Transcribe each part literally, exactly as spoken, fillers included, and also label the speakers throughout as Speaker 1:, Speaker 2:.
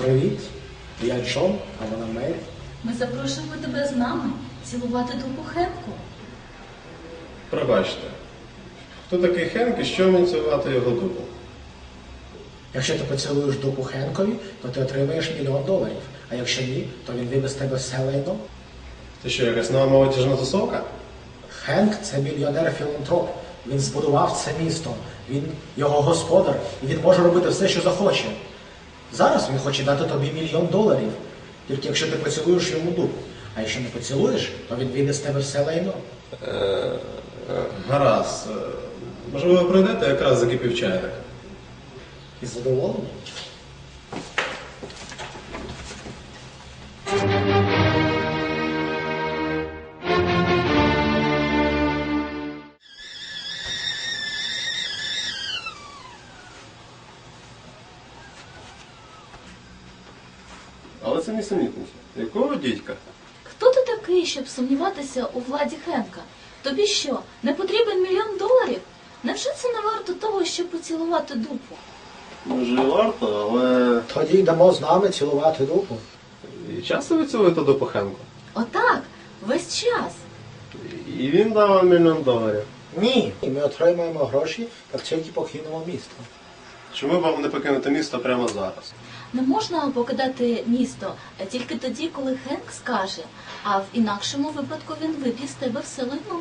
Speaker 1: Привіт, я Джон, а вона Мері.
Speaker 2: Ми запрошуємо тебе з нами цілувати дупу Хенку.
Speaker 3: Пробачте, хто такий Хенк і що мені цілувати його дупу?
Speaker 1: Якщо ти поцілуєш дупу Хенкові, то ти отримаєш мільйон доларів. А якщо ні, то він вибе з тебе все лайно.
Speaker 3: Ти що, якась нова молодіжна тусовка?
Speaker 1: Хенк – це мільйонер-філантроп. Він збудував це місто. Він його господар, і він може робити все, що захоче. Зараз він хоче дати тобі мільйон доларів, тільки якщо ти поцілуєш йому дупу. А якщо не поцілуєш, то він вийде з тебе все лайно.
Speaker 3: Е, е, гаразд. Е, Можливо, ви прийдете, якраз закипів чайник.
Speaker 1: І задоволений?
Speaker 3: Але це нісенітниця. Якого дідька?
Speaker 2: Хто ти такий, щоб сумніватися у владі Хенка? Тобі що, не потрібен мільйон доларів? Невже це не варто того, щоб поцілувати дупу?
Speaker 3: Може і варто, але...
Speaker 1: Тоді йдемо з нами цілувати дупу.
Speaker 3: І часто ви цілуєте дупу Хенку?
Speaker 2: Отак, весь час.
Speaker 3: І він дав вам мільйон доларів.
Speaker 1: Ні. І ми отримаємо гроші, як тільки покинемо місто.
Speaker 3: Чому б вам не покинути місто прямо зараз?
Speaker 2: Не можна покидати місто тільки тоді, коли Хенк скаже, а в інакшому випадку він виб'є з тебе все лайно.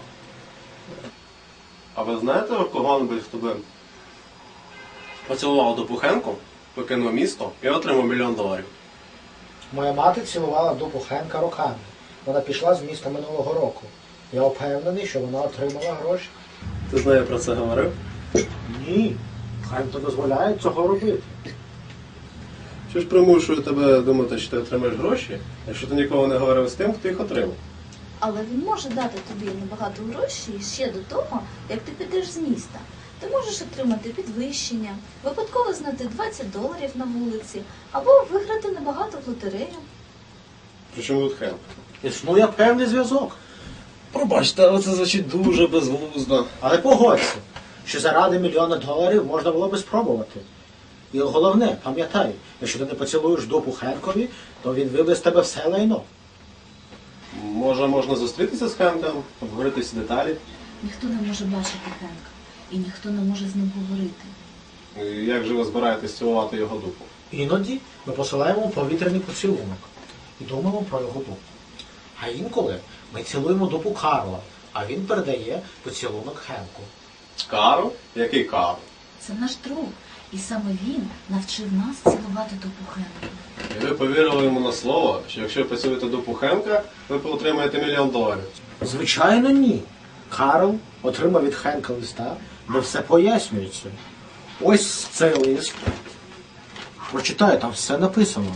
Speaker 3: А ви знаєте кого-небудь, хто би поцілував дупу Хенку, покинув місто і отримав мільйон доларів?
Speaker 1: Моя мати цілувала дупу Хенка роками. Вона пішла з міста минулого року. Я впевнений, що вона отримала гроші.
Speaker 3: Ти з нею про це говорив?
Speaker 1: Ні. Хенк не дозволяє цього робити.
Speaker 3: Що ж примушує тебе думати, що ти отримаєш гроші, якщо ти ніколи не говорив з тим, хто їх отримав?
Speaker 2: Але він може дати тобі набагато грошей ще до того, як ти підеш з міста. Ти можеш отримати підвищення, випадково знайти двадцять доларів на вулиці, або виграти набагато в лотерею.
Speaker 3: Причому тут Хенк?
Speaker 1: Існує певний зв'язок.
Speaker 3: Пробачте, але це звучить дуже безглуздо.
Speaker 1: Але погодься, що заради мільйона доларів можна було би спробувати. І головне, пам'ятай, якщо ти не поцілуєш дупу Хенкові, то він вибе з тебе все лайно.
Speaker 3: Може, можна зустрітися з Хенком, обговорити всі деталі?
Speaker 2: Ніхто не може бачити Хенка, і ніхто не може з ним говорити.
Speaker 3: І як же ви збираєтесь цілувати його дупу?
Speaker 1: Іноді ми посилаємо повітряний поцілунок і думаємо про його дупу. А інколи ми цілуємо дупу Карла, а він передає поцілунок Хенку.
Speaker 3: Карл? Який Карл?
Speaker 2: Це наш друг, і саме він навчив нас цілувати дупу Хенка.
Speaker 3: І ви повірили йому на слово, що якщо ви поцілуєте дупу Хенка, ви отримаєте мільйон доларів.
Speaker 1: Звичайно, ні. Карл отримав від Хенка листа, де все пояснюється. Ось цей лист. Прочитай, там все написано.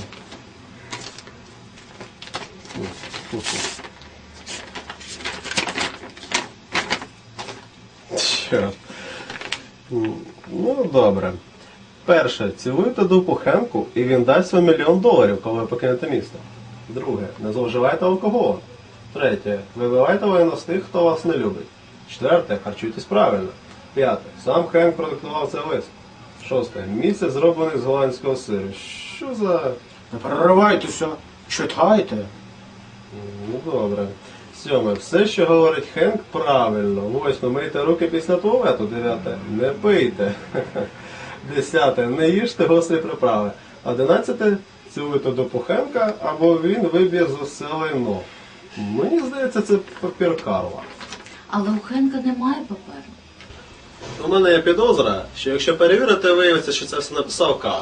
Speaker 3: Чорт. Ну, добре. Перше, цілуйте дупу Хенку, і він дасть вам мільйон доларів, коли ви покинете місто. Друге, не зловживайте алкоголем. Третє, вибивайте воєнно з тих, хто вас не любить. Четверте, харчуйтесь правильно. П'яте, сам Хенк продиктував цей лист. Шосте, місяць зроблений з голландського сиру. Що за...
Speaker 1: Не переривайтеся, читайте.
Speaker 3: Ну, добре. Сьоме, все, що говорить Хенк, правильно. Восьме, мийте руки після туалету. Дев'яте, не пийте. Десяте, не їжте гострі приправи. Одинадцяте, цілуйте дупу Хенка, або він виб'є з усе лайно. Мені здається, це папір Карла.
Speaker 2: Але у Хенка немає паперу.
Speaker 3: У мене є підозра, що якщо перевірити, виявиться, що це все написав Карл.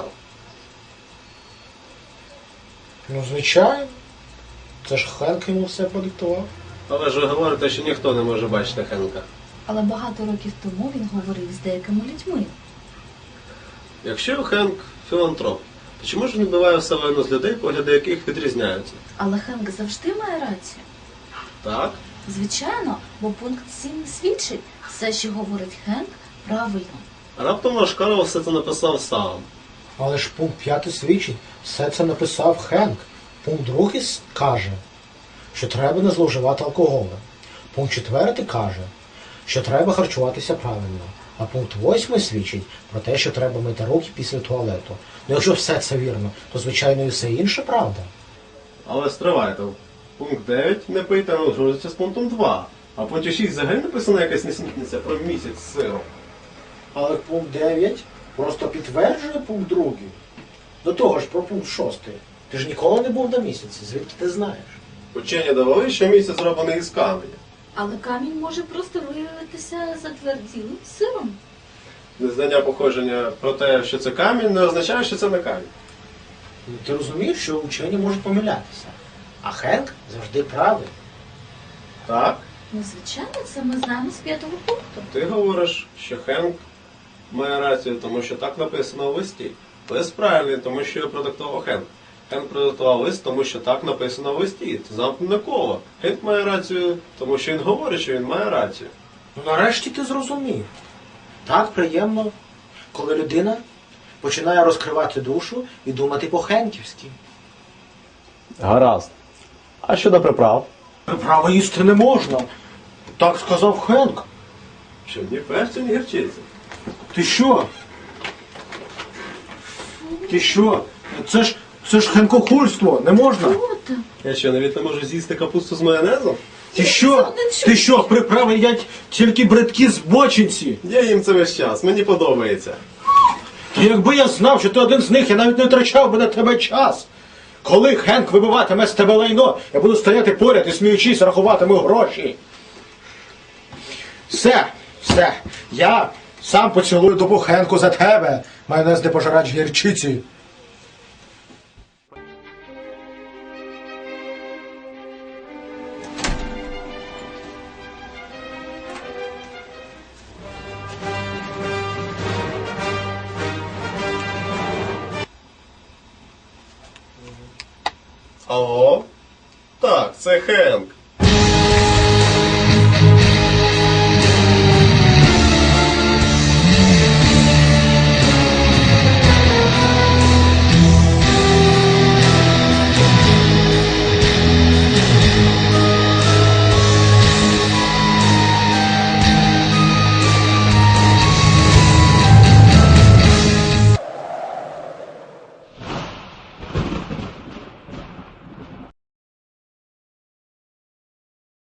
Speaker 1: Ну, звичайно. Це ж Хенк йому все продиктував.
Speaker 3: Але ж ви говорите, що ніхто не може бачити Хенка.
Speaker 2: Але багато років тому він говорив з деякими людьми.
Speaker 3: Якщо Хенк філантроп, то чому ж він вбиває все лайно з людей, погляди яких відрізняються?
Speaker 2: Але Хенк завжди має рацію.
Speaker 3: Так?
Speaker 2: Звичайно, бо пункт сім свідчить, все, що говорить Хенк, правильно.
Speaker 3: Раптом ваш Карл все це написав сам.
Speaker 1: Але ж пункт п'ятий свідчить, все це написав Хенк. Пункт другий каже, що треба не зловживати алкоголем. Пункт четвертий каже, що треба харчуватися правильно. А пункт восьмий свідчить про те, що треба мити руки після туалету. Ну якщо все це вірно, то звичайно і все інше правда.
Speaker 3: Але стривайте. Пункт дев'ять не пийте, не узгоджується з пунктом два. А в пункті шість взагалі написана якась несмітниця про місяць з сиром.
Speaker 1: Але пункт дев'ять просто підтверджує пункт другий. До того ж про пункт шостий. Ти ж ніколи не був на місяці, звідки ти знаєш?
Speaker 3: Учені довели, що місяць зроблений із каменя.
Speaker 2: Але камінь може просто виявитися затверділим сиром.
Speaker 3: Незнання походження про те, що це камінь, не означає, що це не камінь.
Speaker 1: Ну, ти розумієш, що учені можуть помилятися. А Хенк завжди правий.
Speaker 3: Так?
Speaker 2: Ну, звичайно, це ми знаємо з п'ятого пункту.
Speaker 3: Ти говориш, що Хенк має рацію, тому що так написано в листі. Лист правильний, тому що його продиктував Хенк. Хенк продиктував лист, тому що так написано в листі. Це замкнене коло. Хенк має рацію, тому що він говорить, що він має рацію.
Speaker 1: Ну нарешті ти зрозумів. Так приємно, коли людина починає розкривати душу і думати по-хенківськи.
Speaker 3: Гаразд. А щодо приправ?
Speaker 1: Право їсти не можна. Так сказав Хенк.
Speaker 3: Що, ні перцю, ні гірчиці.
Speaker 1: Ти що? Ти що? Це ж, це ж хенкохульство, не можна.
Speaker 2: Що там?
Speaker 3: Я що, навіть не можу з'їсти капусту з майонезом?
Speaker 1: Ти що? Ти що, приправи їдять тільки бридкі збочинці?
Speaker 3: Я їм це весь час, мені подобається.
Speaker 1: Та якби я знав, що ти один з них, я навіть не втрачав би на тебе час. Коли Хенк вибиватиме з тебе лайно, я буду стояти поряд і сміючись рахуватиму гроші. Все, все, я сам поцілую добу Хенку за тебе, майонез не пожирач гірчиці.
Speaker 3: Алло? Так, це Хенк.